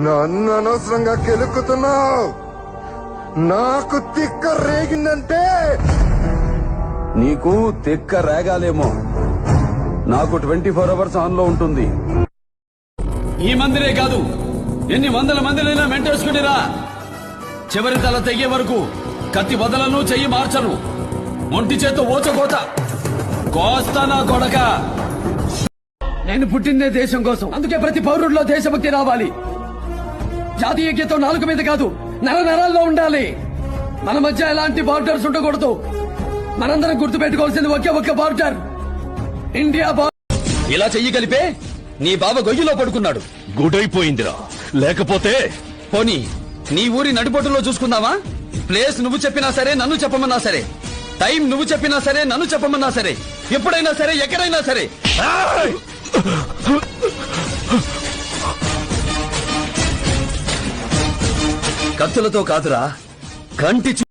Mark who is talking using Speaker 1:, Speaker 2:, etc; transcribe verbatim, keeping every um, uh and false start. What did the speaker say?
Speaker 1: నన్ను అనవసరంగా కెలుక్కుతున్నావు. నాకు తిక్క రేగిందంటే
Speaker 2: నీకు తిక్క రేగాలేమో, నాకు ట్వంటీ ఫోర్ అవర్స్ ఆన్ లో ఉంటుంది.
Speaker 3: ఈ మందిరే కాదు, ఎన్ని వందల మందినైనా మెంటేసుకునిరా. చివరి తల తెగే వరకు కత్తి వదలను, చెయ్యి మార్చను. ఒంటి చేతో ఓచకోత కోస్తా నా కొడక. నేను పుట్టిందే దేశం కోసం, అందుకే ప్రతి పౌరుడిలో దేశభక్తి రావాలి. జాతీయ గీతం నాలుగు మీద కాదు, నర నరాల్లో ఉండాలి. మన మధ్య ఎలాంటి బార్డర్స్ ఉండకూడదు. మనందరం గుర్తు పెట్టుకోవాల్సింది ఒకే ఒక్క బార్డర్, ఇండియా బార్డర్. ఇలా చెయ్యి కలిపే నీ బావ గొయ్యిలో పడుకున్నాడు.
Speaker 4: గుడైపోయిందిరా, లేకపోతే
Speaker 3: పోనీ నీ ఊరి నడిబొట్టులో చూసుకుందామా? ప్లేస్ నువ్వు చెప్పినా సరే, నన్ను చెప్పమన్నా సరే, టైం నువ్వు చెప్పినా సరే, నన్ను చెప్పమన్నా సరే, ఎప్పుడైనా సరే, ఎక్కడైనా సరే. కత్తులతో కాదురా, కంటి